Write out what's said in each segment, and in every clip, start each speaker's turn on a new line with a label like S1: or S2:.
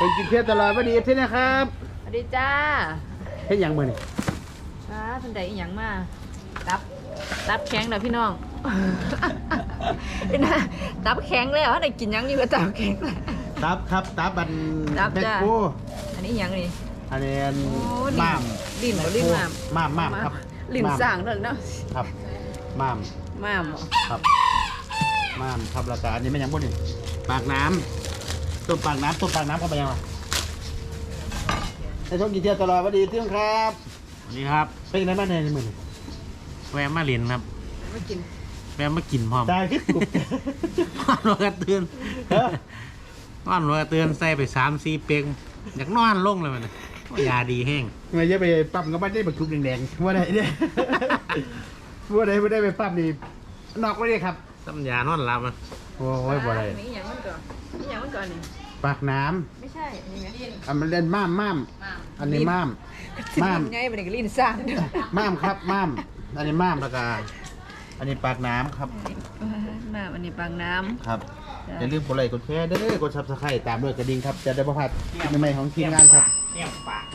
S1: เป็นกินเที่ยวตลอดวันดีที่นะครับ
S2: สวัสดีจ้า
S1: เฮ็ดหยังมื้อนี่
S2: ท่านใดอีหยังมาตับแข็งเด้อพี่น้องนะตับแข็งแล้วได้กินหยังนี่ก็ตับแข็ง
S1: ตับครับตับบันแบกโก้
S2: อันนี้หยังนี่
S1: อันนี้ม้าม
S2: ลิ้นบ่ลิ้น
S1: ม้ามครับ
S2: ลิ้นสร้างนั่นเนาะ
S1: ครับม้ามครับม้ามครับแล้วก็อันนี้มันยังบ่นี่ปากน้ำต้มปากน้ำเข้าไปยังล่ะให้ชมกินเที่ยวตลอดวันดีที่ครับ
S3: นี่ครับ
S1: เป็นยังไงบ้างในมื้อนี้
S3: แวะมาเรียนครับ
S2: มากิน
S3: แวะมากินพร้อม
S1: ได้คือกุบ
S3: นอนกระเตือนใส่ไป3-4 เป๊กอยากนอนลงเลยมันยาดีแห้ง
S1: ไม่จะไปปั๊มก็ไม่ได้บรรทุกแดงๆว่าได้เนี่ยว่าได้ไม่ได้ไปปั๊มนี่นอกไว้เลยครับ
S3: ซ้ำยานอนหลับอ่ะ
S1: โอ้ยบ่ได้
S2: นี่อย่างมันก่อนนี่
S1: ปากน้
S2: ำไม่ใช่นี่ไง
S1: มันเล่นม้ามอันนี้ม้าม
S2: ไงมันก็ลิ้นซ่าน
S1: ม้ามครับม้ามอันนี้ม้ามแล้วก็อันนี้ปากน้ำครับ
S2: ม้ามอันนี้ปากน้ำ
S1: ครับอย่าลืมกดไลค์กดแชร์ด้วยกดซับสไครต์ตามด้วยกระดิ่งครับจะได้ประพัดใหม่ๆของทีมงานครับ
S3: เนี่ยปาก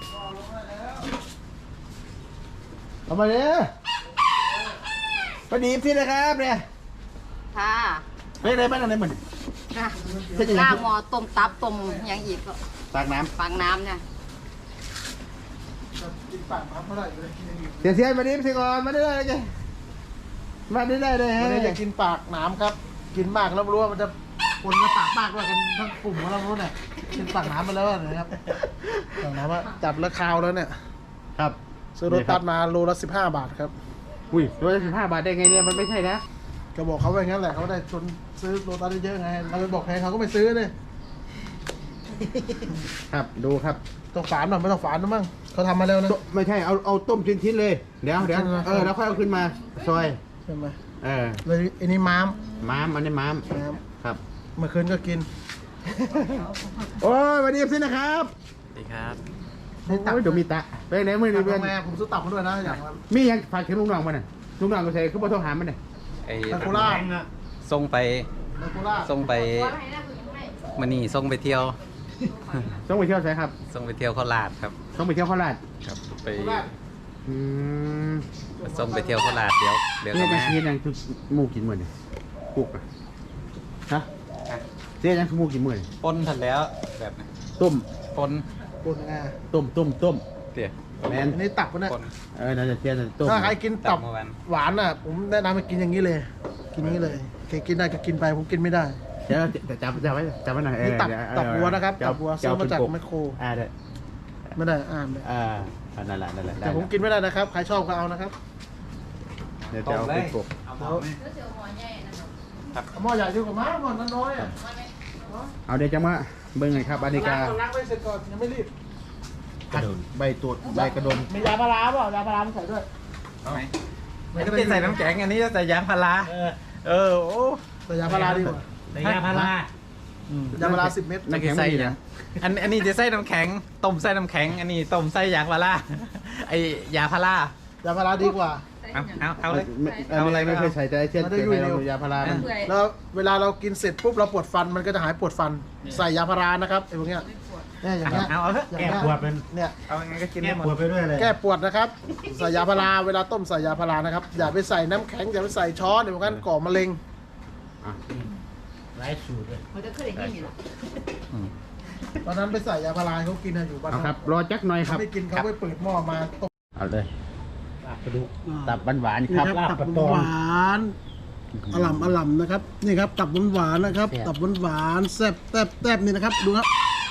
S1: เอามาเลยพอดีพี่นะครับเนี่ย
S2: ค่ะ
S1: ไม่ได้บ้านอะไรเหมือน
S2: ล่างหม้อต้มตับต้มอย่างอีกก็
S1: ปากน้
S2: ำเนี่ย
S1: เสียมาดิพี่ก่อนมาได้เลยแกมาได้เลยฮะ
S4: อยากกินปากน้ำครับกินมากแล้วรู้ว่ามันจะคนจะปากมากด้วยกันทั้งกลุ่มของเรารู้เนี่ยกินปากน้ำมาแล้วนะครับปากน้ำว่าจับแล้วคาวแล้วเนี่ย
S1: ครับ
S4: ซื้อรถตัดมาโลละ15 บาทครับ
S1: อุ้ยโลละ15 บาทได้ไงเนี่ยมันไม่ใช่นะ
S4: ก็บอกเขาไปงั้นแหละเขาได้ชนซื้อโลตัสได้เยอะไงเราไปบอกใครเขาก็ไม่ซื้อเลย
S1: ครับดูครับ
S4: ต้องฝานหน่อยไม่ต้องฝานนะมั้งเขาทำมาแล้วนะ
S1: ไม่ใช่เอาต้มชิ้นๆเลยเดี๋ยวแล้วค่อยเอาขึ้นมาซอย
S4: ใช่ไหม
S1: เลย
S4: อันนี้ม้าม
S1: อันนี้ม้ามครับ
S4: เมื่อคืนก็กิน
S1: โอ้ยวันนี้พี่นะครับ
S3: สวัสดีครับ
S1: โอ้ยเดี๋ยวมีตะไปไหนมือนี่
S4: เพื่อนผมซื้อตับมาด้วยนะอย่าง
S1: มียังฝากถึงลุงน้องมันน่ะลุงน้องก็ใส่คือบ่โทรหามันน่ะ
S4: ไอ้โคราช
S5: ส่งไปมันนี่ส่งไปเที่ยว
S1: ใช่ครับ
S5: ส่งไปเที่ยวโคราชครับ
S1: ส่งไปเที่ยวโคราช
S5: ครับไป
S1: ส่
S5: งไปเที่ยวโคราชเดี๋ยว
S1: ก็แม่เสียยังคือหมูกินเหมือนกุกอะฮะเสียยังคือหมูกินเหมือน
S5: ปนทันแล้วแบบนี้
S1: ต้ม
S5: ปน
S1: ต้ม
S5: เตี๋ย
S1: แมน
S4: อันนี้ตับนะ
S1: น่าจะเสียต้ม
S4: ถ้าใครกินตับหวานอ่ะผมแนะนำให้กินอย่างนี้เลยกินนี้เลยใครกินได้ก็กินไปผมกินไม่ได้
S1: เดี๋ยวแต่จับไว้หน่อย
S4: ตับวัวนะครับตับวัวซื้อมาจากแมคโคร
S1: ได้
S4: ไม่ได้เลย
S1: นั่นแหละ
S4: แต่ผมกินไม่ได้นะครับใครชอบก็เอานะครับ
S1: เดี๋ยวจะเอาเป็นกบ
S4: หม้อใหญ่ดีกว่าม้าหม้อน้อยอ่ะ
S1: เอาเดี๋ยวจะมาเบิ่งไงครับอานิกา
S4: ล้างไปเสร็จก่อนยังไม่รีบ
S1: ใบตูดใบกระดม
S4: มียาพาราเปล่ายาพาราใส่ด้วย
S5: ไม่ได้ใส่น้ำแข็งอันนี้จะใส่ยาพาราโอ้
S4: ใส่ยาพาราดีกว่า
S3: ใส่ยาพาราย
S4: าพารา10 เม็ด
S1: น้ำแข็งใส่นะ
S5: อันนี้จะใส่น้ำแข็งต้มใส่น้ำแข็งอันนี้ต้มใส่ยาพาราไอยาพาร
S4: ายาพาราดีกว่า
S5: เอาเลย
S1: เอาอะไรไม่เคยใส่ใจเช่นยาพารา
S4: แล้วเวลาเรากินเสร็จปุ๊บเราปวดฟันมันก็จะหายปวดฟันใส่ยาพารานะครับไอ้พวกเนี้ยเนี่ยอย่างเงี้ย
S3: แก้ปวดเป็น
S4: เนี่ย
S5: เอาไงก็กิน
S3: แก้ปวดไปด้วยเลย
S4: แก้ปวดนะครับใส่ยาพาราเวลาต้มใส่ยาพารานะครับอย่าไปใส่น้ำแข็งอย่าไปใส่ช้อนเดี๋ยวกันก่อมะเร็ง
S3: ไร้สูตรเลย
S2: เขาจะเคยได้ยินหรอ
S4: ตอนนั้นไปใส่ยาพาราเขากินอยู่บ้าน
S1: ครับรอจักหน่อยครับ
S4: ไม่กินเขาไปเปิดหม้อมาต้ม
S1: เอาเลยตับหวานครับ
S4: ตับหวานอร่ำนะครับนี่ครับตับหวานนะครับตับหวานแซ่บนี่นะครับดูครับ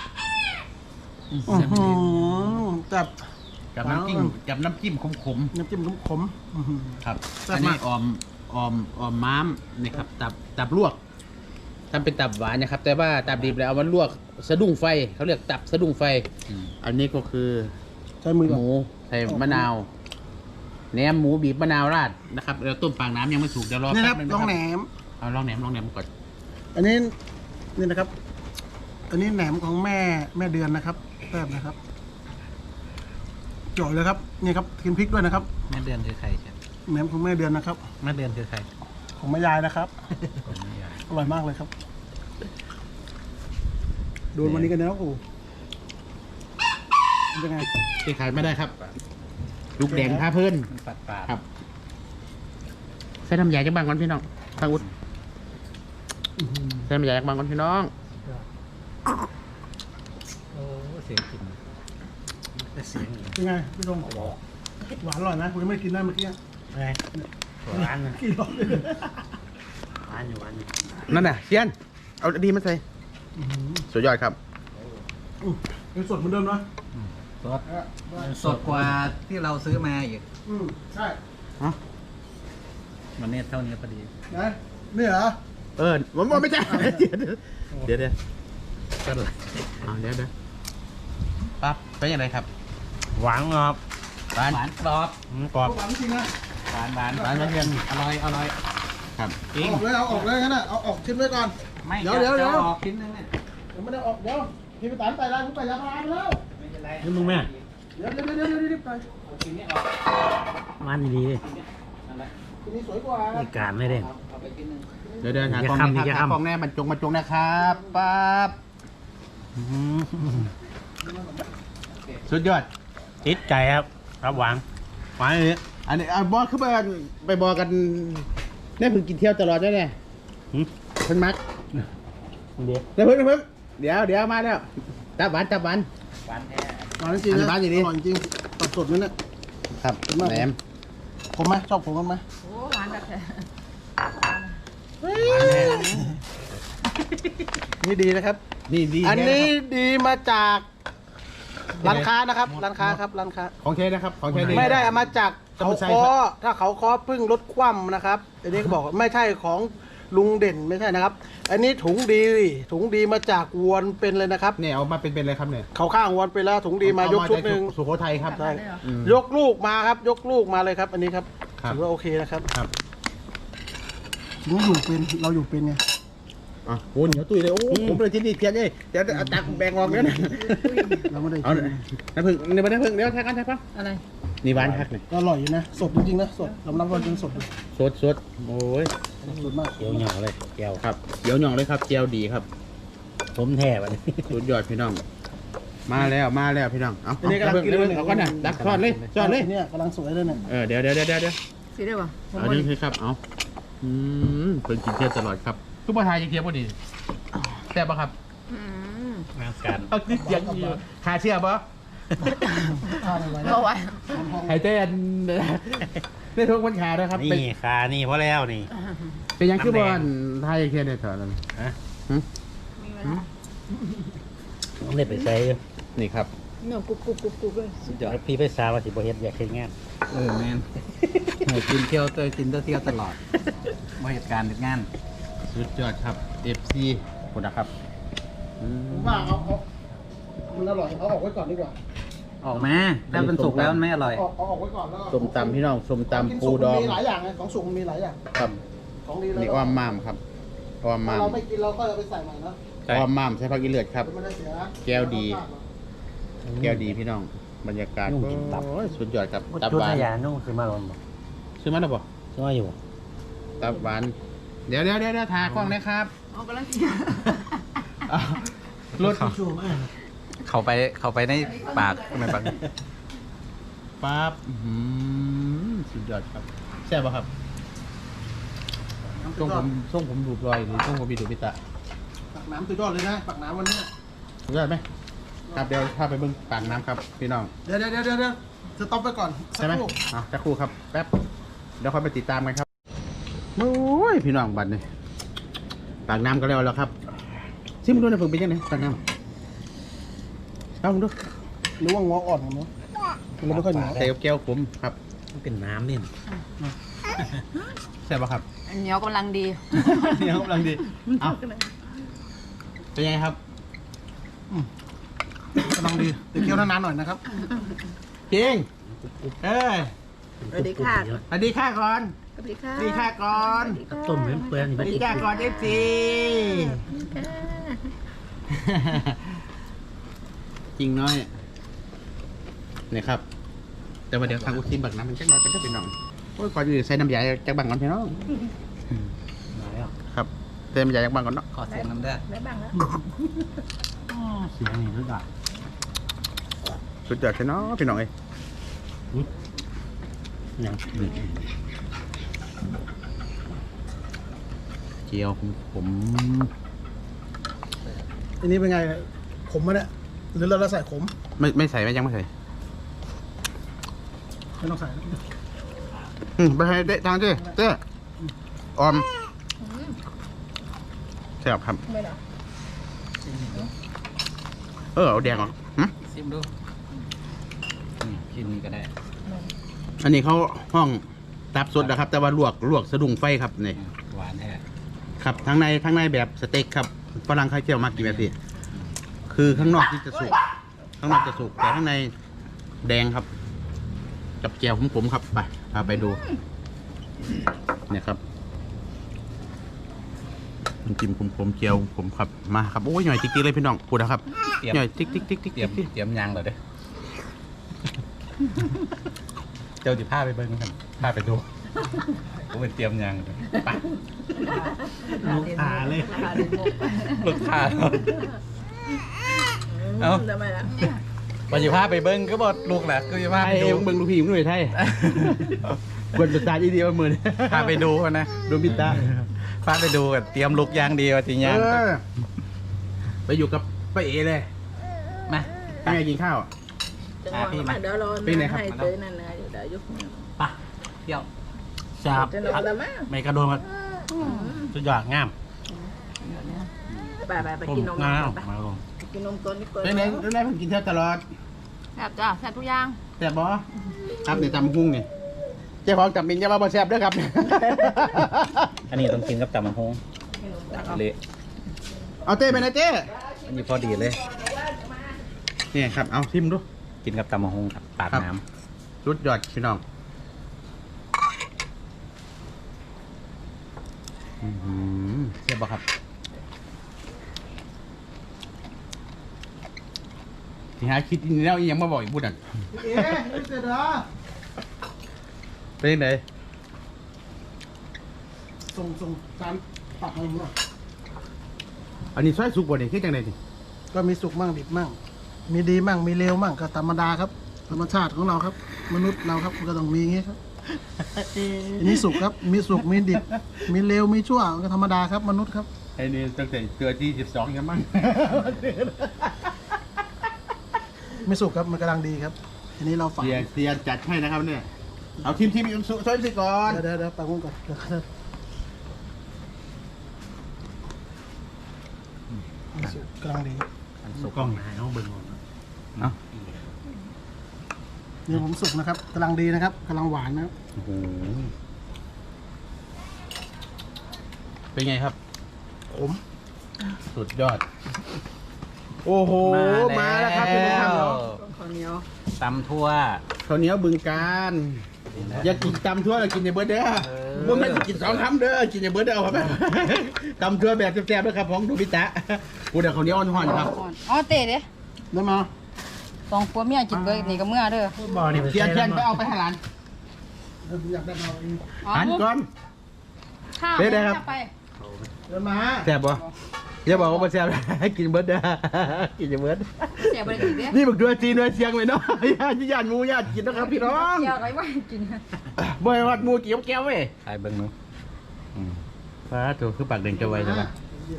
S4: จับ
S1: กับน้ำจิ้มขมครับอันนี้ออมม้ามนี่ครับตับลวกทำเป็นตับหวานนะครับแต่ว่าตับดิบแล้วเอามาลวกสะดุ้งไฟเขาเรียกตับสะดุ้งไฟอันนี้ก็คือ
S4: ใช้มือ
S1: หมูใส่มะนาวแหนมหมูบีบมะนาวราดนะครับเราต้มปากน้ำยังไม่สุกเดี๋ยวรอ
S4: แป๊บนึงลองแหนม
S1: เอาลองแหนมก่อน
S4: อันนี้นี่นะครับอันนี้แหนมของแม่เดือนนะครับแป๊บนะครับจ่อยเลยครับนี่ครับกินพริกด้วยนะครับ
S5: แม่เดือนคือใครครับ
S4: แหนมของแม่เดือนนะครับ
S5: แม่เดือนคือใคร
S4: ของแม่ยายนะครับอร่อยมากเลยครับโดนวันนี้กันแล้วกูเป็นไง
S1: ที่ขายไม่ได้ครับ ลูกแดงพาเพื่อน
S5: มันฝาดฝาด
S1: ครับใส่น้ำยาจากบางก่อนพี่น้องฟังอุดใส่น้ำยาจากบางก่อนพี่น้อง
S3: โอ้เสียงกินแต่เสียง
S4: เป็นไงพี่ตรงหวานอร่อยนะผมยังไม่กินได้เมื่อกี้
S3: อะไรหวานนะ
S4: กินหรอก
S3: หวานอยู่หวานอยู่
S1: นั่นน่ะเชียนเอาดีมาใส่สุดยอดครับ
S4: ยังสดเหมือนเดิมนะ
S5: สดสดกว่าที่เราซื้อมาอีก
S4: ใช่
S5: มันเนี่ยเท่านี้พอดี
S4: นะนี่เหรอ
S1: ผมไม่ใช่เดี๋ยวก็เลยเดี๋ยวปั๊บเป็นยังไงครับ
S3: หวานครับ
S1: หวาน
S5: หวานกรอบ
S3: กรอบ
S4: หวานจริงนะ
S5: หวานหวาน
S1: หวานมาเพียง
S5: อร่อยอร่อย
S1: ครับ
S5: จริง
S4: เอาออกเลยงั้นน่ะเอาออกชิ้นไว้ก่อน
S5: ไม่
S4: เดี๋ยว
S5: จะออกชิ้นนึงเนี่ย
S4: ยังไม่ได้ออกเดี๋ยวพี่ไปตันไปร้านผมไปยาพาราไปแล้ว
S5: ไม่เป็นไร
S3: นี่มึงแม่
S4: เดี๋ยวรีบไป
S5: เอาชิ้นนี้ออก
S3: หวานดีเลย
S5: นั่นแหละ
S4: ทีนี้สวยกว่า
S3: มีการไม่ได้
S5: เอาไปชิ้นนึง
S1: เดี๋ยวหา
S3: อย่าก
S1: ล้อง
S3: คำ
S1: นะ
S3: อย่า
S1: ครับ
S3: คำ
S1: หากล้องแน่บรรจงนะครับปั๊บสุดยอด
S3: ติดใจครับครับหวานหวานเลย
S1: อันนี้บอสคือไปบอกกันแน่เพิ่งกินเที่ยวตลอดได้ไงเพิ่งมัก
S3: เดี๋ยว
S1: เดี๋ยวเดี๋ยวมาแล้วจับหวาน
S5: หวานแท้
S4: หวานจริงนะ
S1: หวานจริงดิ
S4: อร่อยจริงตัดสดนั่นน่ะ
S1: ครับแหนม
S4: ผมไหมชอบผมกันไหม
S2: โอ้หวานแบบแท้
S3: หวานแน่
S4: นี่ดีนะครับ
S1: นี่ดี
S4: อันนี้
S1: แท้ะครับ
S4: ดีมาจากร้านค้านะครับร้านค้าครับร้านค้า
S1: ของเทนะครับของเท
S4: ไม่ได้เอามาจาก
S1: จะ
S4: เขา
S1: ไม่ใช่
S4: คอ
S1: ครับ
S4: ถ้าเขาคอเพิ่งลดคว่ำนะครับอันนี้ก็บอกว่าไม่ใช่ของลุงเด่นไม่ใช่นะครับ อันนี้ถุงดีมาจากวนเป็นเลยนะครับ
S1: เนี่ยเอามาเป็นอะไรครับเนี่ย
S4: เขาข้างวนไปแล้วถุงดีมายกชุดหนึ่ง
S1: สุโขทัยครับ
S2: ได้เลยเหรอ
S1: อืม
S4: ยกลูกมาครับ ยกลูกมาเลยครับ อันนี้ครับ
S1: ครับ
S4: ถือว่าโอเคนะครับ
S1: ครับ
S4: เราอยู่เป็นไง
S1: อ่ะโอ้เหนียวตุ้ยเลยโอ้ผมเลยที่นี่เพียนเลยเดี๋ยวเอาตักแบ่งออกแล้วนะ
S4: เราไม่ได้
S1: เอา
S4: กิน
S1: น้ำผึ้งเดี๋ยวน้ำผึ้งเดี๋ยวแท็กกันแท็กป่ะ
S2: อะไร
S1: นี่หวานคักเลย
S4: ก็อร่อยอยู่นะสดจริงๆนะสดยอมรับว่าจริงสดเลย
S1: สดโอ้ย
S4: สดมาก
S3: เขียวเหนียวเลยแก้ว
S1: ครับเดี๋ยวหน่องเลยครับเจียวดีครับ
S3: ผมแท้วันนี้
S1: สุดยอดพี่น้อง มาแล้วพี่น้องเอา
S4: อันนี้กำลังกินเลย
S1: เอาก่อนนะดักทอดเลยทอดเลย
S4: เนี่ยกำลังสวยเลยเนี่ย
S1: เดี๋ยว
S2: สีได้ป่ะผม
S1: เอา
S2: ว่า
S1: ดึงให้ครับเอาเพิ่นกินเที่ยวตลอดครับทุกประทายจะเทียบพอดีแซ่บปะครับ
S2: อืม
S3: งานการ
S1: เอาดิเสียงอยู่ขาเชื่อปะ
S4: ทานอะไร
S2: เพราะว่า
S1: หายใจอันได้ทุกวันขาด้วยครับ
S3: นี่คานี่พอแล้วนี่
S1: เป็นยังคือบอลไทยเทียนเนี่ยเถอะนั่น
S3: ฮะ
S2: มีเวลา
S3: ต้องได้ไปใช้
S1: นี่ครับ
S2: เนื้อกรุบเลย
S5: สุดยอด
S3: พี่ไปสาวว่าสิบ่เฮ็ดอยากเฮ็ดงาน
S5: แมนกินเที่ยวเตยกินเที่ยวตลอดมาเหตุการณ์เหตุงาน
S1: สุดยอดครับ FC คุณนะครับอืม
S4: ผมว่าเอามันอร่อยเอาออกไว้ก่อนดีกว่า
S5: ออกมาถ้ามันสุกแล้วมันไม่อร่อย
S4: เอาออกไว้ก่อนแล้วก็
S1: ส้มตำพี่น้องส้มตำปูดอง
S4: มีหลายอย่างไงของสุกมันมีหลายอย่าง
S1: ครับ
S4: ของดีเลย
S1: นี่อ้อมม่ามครับอ้อมม่าม
S4: เราไม่กินเราก็เอาไปใส่ใหม่นะ
S1: อ้อมม่ามใช้ผักอีเลือดครับ
S4: ไม่ได้เสีย
S1: แก้วดี แก้วดีพี่น้องบรรยากาศโอ้ยสุดยอดครับตับ
S3: จุด
S1: หวาน
S3: ทยานุ่งคือมาลงบ่
S1: ซื้อมาแล้วบ่
S3: ซื้อมาอยู่บ่
S1: ตับหวานเดี๋ยวทากล้องนะครับ
S2: เอากำลังกิน
S1: รถ
S5: เข้าไปในปากในปาก
S1: ปั๊บสุดยอดครับแซ่บป่ะครับช่วงผมดูดรอยหรือช่วงผมมีดูดพิตะ
S4: ปักน้ำตัวยอดเลยนะปักน้ำวันนี้
S1: สุดยอดไหมครับเดี๋ยวพาไปเบิ่งปากน้ำครับพี่น้อง
S4: เดี๋ยวจะต็อปไปก่อนสั
S1: ใช่
S4: ก
S1: ไหม
S4: ครู่
S1: สักครู่ครับแป๊บเดี๋ยวค่อยไปติดตามกันครับโอ้ยพี่น้องบัดนี่ปากน้ำก็แล้วครับซิมดูนะเพิ่งเป็นยังไงปากน้ำเอาดู
S4: หรือว่างออ่อนของเนาะมันไม่ค่อยเหนียว
S1: ใส่กับแก้วผมครับ
S3: มันเป็นน้ำนี่
S1: แซ่บป่ะครับ
S2: อันเหนียวกำลังดี
S1: เนี่ยกำลังดีเอาเป็นยังไงครับ
S4: กำลังดีแต่เคี่ยวนานๆหน่อยนะครับ
S1: จริงเอ้ย
S2: สวัสดีค่ะ
S1: สวัสดีค่ะก่อน
S2: สวัสดีค่ะ
S1: สวัสดีค่ะก่อน
S3: ต้มเปลือยๆนี่
S1: ส
S3: มั
S1: วัน สดี
S3: ติด
S1: ค่ะก่อนเอฟซีจริงน้อยเนี่ยครับ แต่ว่าเดี๋ยวทางอุทิมบักน้ำมันจักหน่อยก็จะเป็นน้องโอ้ยก่อนอื่นใส่น้ำยาจากบังก่อนพี่น้อง
S3: มาแล้ว
S1: ครับเติมน้ำยาจากบังก่อนเนาะ
S5: ขอเสียงน้ำได้
S2: ได้บ้างแล้ว
S3: เสียงนี่สุดยอด
S1: สุดยอดใช่เนาะพี่น้องเอ้ย
S3: อย่าง
S1: เจียวผม
S4: อันนี้เป็นไงขมไหมเนี่ยหรือเราใส่ขม
S1: ไม่ใส่ไม่ยังไม่ใส่
S4: ไม่ต้องใส่
S1: ไปให้เด็ทางเจ้ออมแซ่บครับ
S2: ไม่หรอ
S1: เอาแดงออก
S5: ซิมดูกินนี่ก็ได้
S1: อันนี้เขาห้องตับสดนะครับ แต่ว่าลวกสะดุ้งไฟครับนี่
S5: หวานแท้
S1: ครับทั้งในแบบสเต็กครับฝรั่งเขาเจียวมากกี่แบบพี่คือข้างนอกที่จะสุกข้างนอกจะสุกแต่ข้างในแดงครับกับเจียวผมครับไปพาไปดูเนี่ยครับน้ำจิ้มผมเจียวผมครับมาครับโอ้ยหน่อยติ๊กๆเลยพี่น้องพูดนะครับหน่อยติ๊กๆ
S5: เตรียมยางเหรอเด้อเจ้าจิผ้าไปเบิ้งกันผ้าไปดูผมเป็นเตรียมยางเลยไป
S3: ลูกขาเลย
S5: ลูกค้าเอา
S2: ทำไมล่ะ
S5: วันจิผ้าไปเบิ้งก็บอกลูกแหละก็จิผ้า
S1: ไท
S5: ไป
S1: ย
S5: ดู
S1: เบิ่งลูกพี่มึงหน่อยไทยกวนประสาทอีเดียวมือ
S5: พาไปดูกันนะ
S1: ดูบิตา
S5: พาไปดูกันเตรียมลูกยางดีว่าจริงยาง
S1: ไปอยู่กับป้าเอเลย
S5: มา
S1: ตั้งใจกินข้าว
S2: จะนอนมาเดี๋ยวรอ
S1: เป็นไงครับ
S2: ให้เตยนั่นนะเดี๋ยวยุค
S5: ไปเที่ยว
S3: ชาบ
S2: จะนอนแล้วมั้ง
S3: ไม่กระโดดมาสุดยอดงาม
S2: ไปกินนม
S3: งาม
S2: ไป
S3: มาลง
S2: กินนมก่อนนี่ก่อน
S1: เป็นไงผมกินเท่าตลอด
S2: แซ่บจ้าแซ่บทุกอย่าง
S1: แซ่บบ่ครับเนี่ยตำหุ้งนี่เจ้าของจับมินจะมาบ่แซ่บด้วยครับ
S5: อันนี้ต้องกินกับตำมันฮงเละ
S1: เอาเต้ไปนะเต้
S5: อันนี้พอดีเลย
S1: นี่ครับเอาชิมดู
S5: กินกับตำมันฮงครับปาด
S1: ครับ
S5: น้
S1: สุดยอดพี่น้องเสียบบ่ครับที่หาคิดนี่แล้วอีหยังมาบอกอีกพูดอ่ะ
S4: เอ๊ะนี่เสร็จเหรอ
S1: เป็นยังไง
S4: ส่งจานตักให้ผมหน่อย
S1: อันนี้ซอยสุกบ่เนี่ยคือจังไดนี่
S4: ก็มีสุกมั่งดิบมั่งมีดีมั่งมีเลวมั่งก็ธรรมดาครับ ธรรมชาติของเราครับ มนุษย์เราครับมันก็ต้องมีอย่างงี้ครับอันนี้สุกครับมีสุกมีดิบมีเลวมีชั่วมันก็ธรรมดาครับมนุษย์ครับ
S1: ไอ้นี่ตั้งแต่เกิดที่12ยังมั้ง
S4: ไม่สุกครับมันกำลังดีครับอันนี้เราฝัง
S1: เสียจัดให้นะครับเนี่ยเอาทีมซอยสิก่อน
S4: เดี๋ยวปังก่อนเดี๋ยวสุกกำลังดี
S3: สุกกล้องหายเอาเบิ่งหมด
S1: เนาะ
S4: นี่ผมสุกนะครับกำลังดีนะครับกำลังหวานนะครับ
S1: โอ้โหเป็นไงครับ
S4: ขม
S1: สุดยอด โอ้โห มาแล้วครับพี่น้องครับ
S2: ข้าวเหนียว
S5: ตำทั่ว
S1: ข้าวเหนียวบึงการอย่ากินตำทั่วแล้วกินในเบิร์ดเด้อบ่แม่นสิกิน2 คำเด้อกินในเบิร์ดเด้อเอาครับตำทั่วแบบแซ่บๆด้วยครับของดูพิตะกูเดี๋ยวข้าวเหนียวอ่อนๆครับ
S2: อ๋อเตะเด้
S4: ได้มา
S2: สองผัวเมียกินเบิร์นี่ก็เมื่อเด้อ
S3: บ่อนี่
S1: เทียนไปเอาไปให้หลาน
S4: อยากได้มาเอง
S1: หันก่อน
S2: ข้าว
S1: เด้ได้ครับ
S2: ไป
S4: เดินมา
S1: แซ่บบ่อย่าบอกว่าบ่แซ่บให้กินเบิร์ดเด้อกินในเบิร์ด
S2: เสียบริกินเด้
S1: นี่บักด้วยจีนด้วยเสียงเลยเนาะญาติหมูญาติกินนะครับพี่น้อง
S2: เกี่ยวอะไรวะกิน
S1: บ่อยวัดหมูเกี่ยวแก้วเว้ย
S5: ใส่เบิ้งนู้
S1: ฟ้าตัวคือปากเด่งจะไวใช่ไหม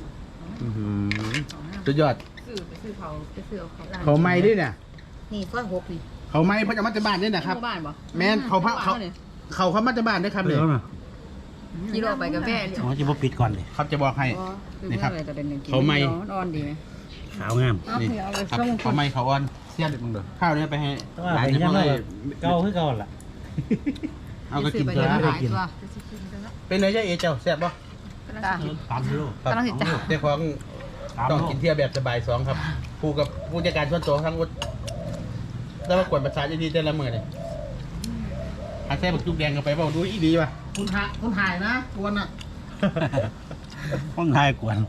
S1: สุดยอด
S2: ซื้อเขาไปซื้อเขา
S1: เขาไม้ด้วยเนี่ย
S2: นี่ซอย6นี่
S1: เขาไม้เพราะจะมาจากบ้านด้วยนะครับ
S2: บ้านบ่
S1: แม่นเขามาจากบ้านด้วยครับ
S3: เดี๋
S1: เนี่ย
S3: ยวนะ
S2: กิโลไปกับแม่
S3: อ๋อจะบ่ปิดก่อนเลย
S1: ครับจะบอกให้ นี่ครับเขาไม่
S2: นอนดีไหม
S3: ขาวงาม
S1: นี่
S2: เอาไป
S1: ครับ
S2: ส่ง
S1: เขาไม้เขาอ่อนเสียดมึงเด้อข้าวเนี่ยไปให้
S3: แต่ว่า
S1: หลาน
S3: เป็น
S1: จะ
S3: ยัง
S1: มา
S3: ไง
S1: เลย
S3: เก่าคือเก่าล่ะ
S1: เอาก็กิน
S2: ไป
S1: เถ
S2: เดี๋ยว
S1: อะ
S2: หลายตัว
S1: เป็นไงเจ้าเอเจ้าแซ่บป่ะ
S3: ตามโล
S1: ครับ
S2: กำลังสิจ้า
S1: เจ้าของต้องกินเที่ยวแบบสบาย2ครับผู้กับผู้จัดการส่วนตัวทั้งหมดแล้วมากวนประสาทดีๆแต่ละมื้อนี่หาแซ่บักจุกแดงกันไปเปล่าดูอีดีป่ะ
S4: คุณถ่ายนะกวนอ่ะ
S3: ห้องทายกวน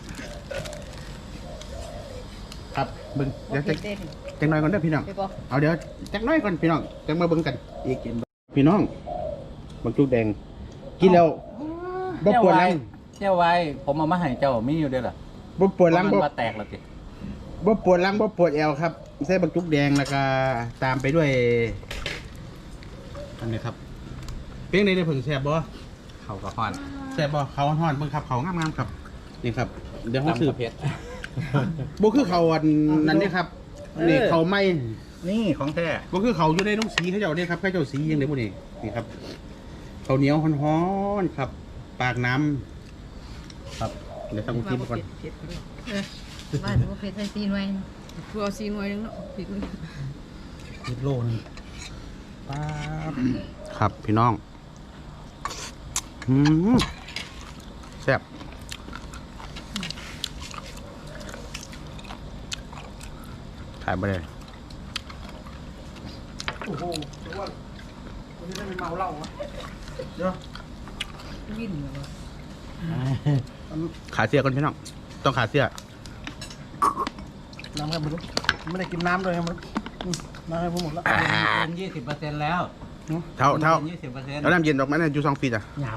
S1: ครับเบิ่งเดี๋ยวจังน้อยก่อนเด้อพี่น้อง
S2: ไปบ่
S1: เอาเดี๋ยวจักน้อยก่อนพี่น้องจังมาเบิ่งกันอีกพี่น้องบักจุกแดงกินแล้วบ่ปวดหลัง
S5: เจ้าไว้ผมเอามาให้เจ้ามีอยู่ด้วยเหรอ
S1: บ่ปวดหลัง
S5: มัน
S1: บ่
S5: มาแตกแล้วติ
S1: บ่ปวดหลังบ่ปวดแอวครับใส่บักจุกแดงแล้วก็ตามไปด้วยอันนี้ครับเพียงในผึ่งแซ่บบ่
S5: เขาก็ฮ้อน
S1: แซ่บบ่เขาฮ้อนๆเบิ่งครับเขางามๆครับนี่ครับเดี๋ยวเฮาสืบ
S5: ตำกะเพ็ด
S1: บ่คือเขาอันนั้นนี่ครับนี่เขาไม่
S5: นี่ของแท้
S1: บ่คือเขาอยู่ในน้องสีเขาเจ้าเนี่ยครับเขาเจ้าสียังไดบ่นี่นี่ครับข้าวเหนียวฮ้อนๆครับ ปากน้ำครับเดี๋ยวต้องกินก่อน
S2: บ้านบ่เผ็ดใส่ซีหน่วยตัวเอาซีหน่วยนึงเนาะผิดเลย
S1: คิดโลนึงป๊าบครับพี่น้องแซ่บถ่ายไปเลย
S4: โอ้โหเดี๋ยวว่าวันนี้ได้ไปเมาเหล้าวะเดี๋ยว
S2: วิ่นเลย
S1: ขาเสียก่อนพี่น้องต้องขาเสีย
S4: น้ำครับมันไม่ได้กินน้ำเลยครับมันน้ำให้ผมหมดแล้ว
S3: เป็น20%แล้ว
S1: เท่า
S3: 20%
S1: แล้วน้ำเย็นออกมาเนี่ยอยู่2 ฟีตอ่ะ
S3: หยาบ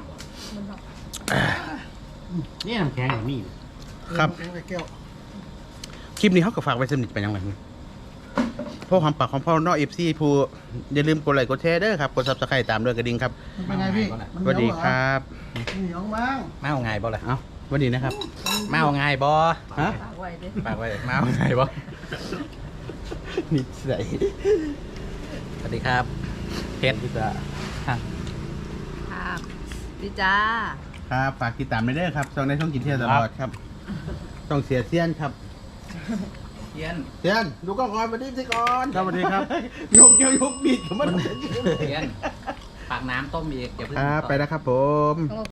S3: นี่น้ำแข็งอย่างนี้
S1: ครับ
S4: แก้ว
S1: คลิปนี้เขาก็ฝากไว้สนิทไปยังไงพ่อความปากของพ่อน้องFC ผู้อย่าลืมกดไลค์กดแชร์เด้อครับกด Subscribe ตามด้วยกระดิ่งครับ
S4: มันเป็นไงพี่มัน
S1: สวัสดีครับ
S4: เหนียวมั้ง
S5: มาเอาไงบ่ล่ะ
S1: เอ้าสวัสดีนะครับ
S5: มาเอาไงบ่
S1: ฮะ
S2: ฝากไว้เด้อ
S5: ฝากไว้มาเอาไงบ่
S1: นิสัย
S5: สวัสดีครับเพชร
S1: พี่จ้า
S2: ครับดีจ้า
S1: ครับฝากติดตามไปเด้อครับช่องในช่องกินเที่ยวตลอดครับต้องเสียเซียนครับ
S5: เทียน
S1: เซียนดูกล้องก่อนมาดิสิก่อน
S4: สวัสดีครับ
S1: ยกบิดกับมัน
S5: เทียนปากน้ำต้มอีกอย่าเพิ่ง
S1: ครับ
S5: ต่อ
S1: ไปแล้วครับผม